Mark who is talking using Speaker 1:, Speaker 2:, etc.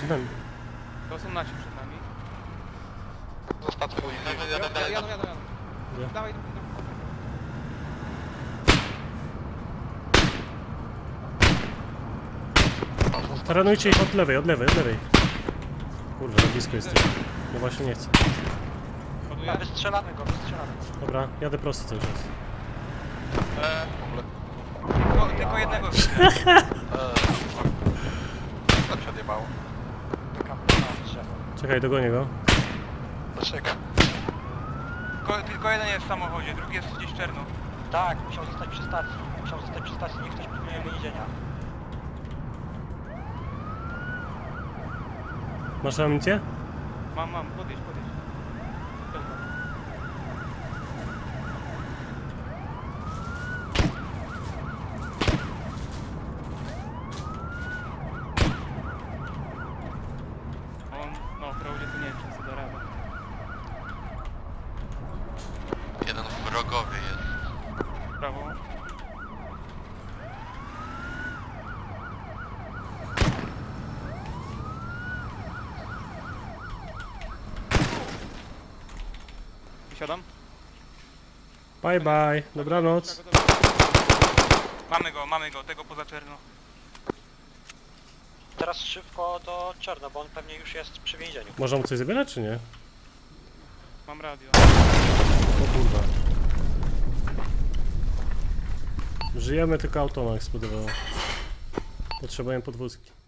Speaker 1: przed nami.
Speaker 2: To są nasi przed nami.
Speaker 3: Zostawmy.
Speaker 2: Jadą.
Speaker 1: Nie.
Speaker 2: Dawaj.
Speaker 1: Taranujcie ich od lewej. Kurwa, za blisko jesteś. No właśnie nie chcę.
Speaker 2: Ładuję.
Speaker 4: Wystrzelamy go.
Speaker 1: Dobra, jadę prosto cały czas.
Speaker 3: W ogóle.
Speaker 2: Tylko jednego widzę.
Speaker 3: To się odjebało.
Speaker 1: Czekaj, dogonię go.
Speaker 3: Dlaczego?
Speaker 2: Tylko jeden jest w samochodzie, drugi jest gdzieś czerno.
Speaker 4: Tak, musiał zostać przy stacji. Niech ktoś pilnuje więzienia.
Speaker 1: Masz amunicję?
Speaker 2: Mam, podjedź. No, w Crowdzie to nie wiem, czy sobie da radę.
Speaker 3: Jeden wrogowie jest.
Speaker 2: Prawo. Wysiadam.
Speaker 1: Bye. Dobranoc.
Speaker 2: Mamy go, tego poza czerno.
Speaker 4: Teraz szybko do Czarno, bo on pewnie już jest przy więzieniu.
Speaker 1: Można mu coś zabierać, czy nie?
Speaker 2: Mam radio.
Speaker 1: O kurwa. Żyjemy, tylko auto nam eksplodowało. Potrzebujemy podwózki.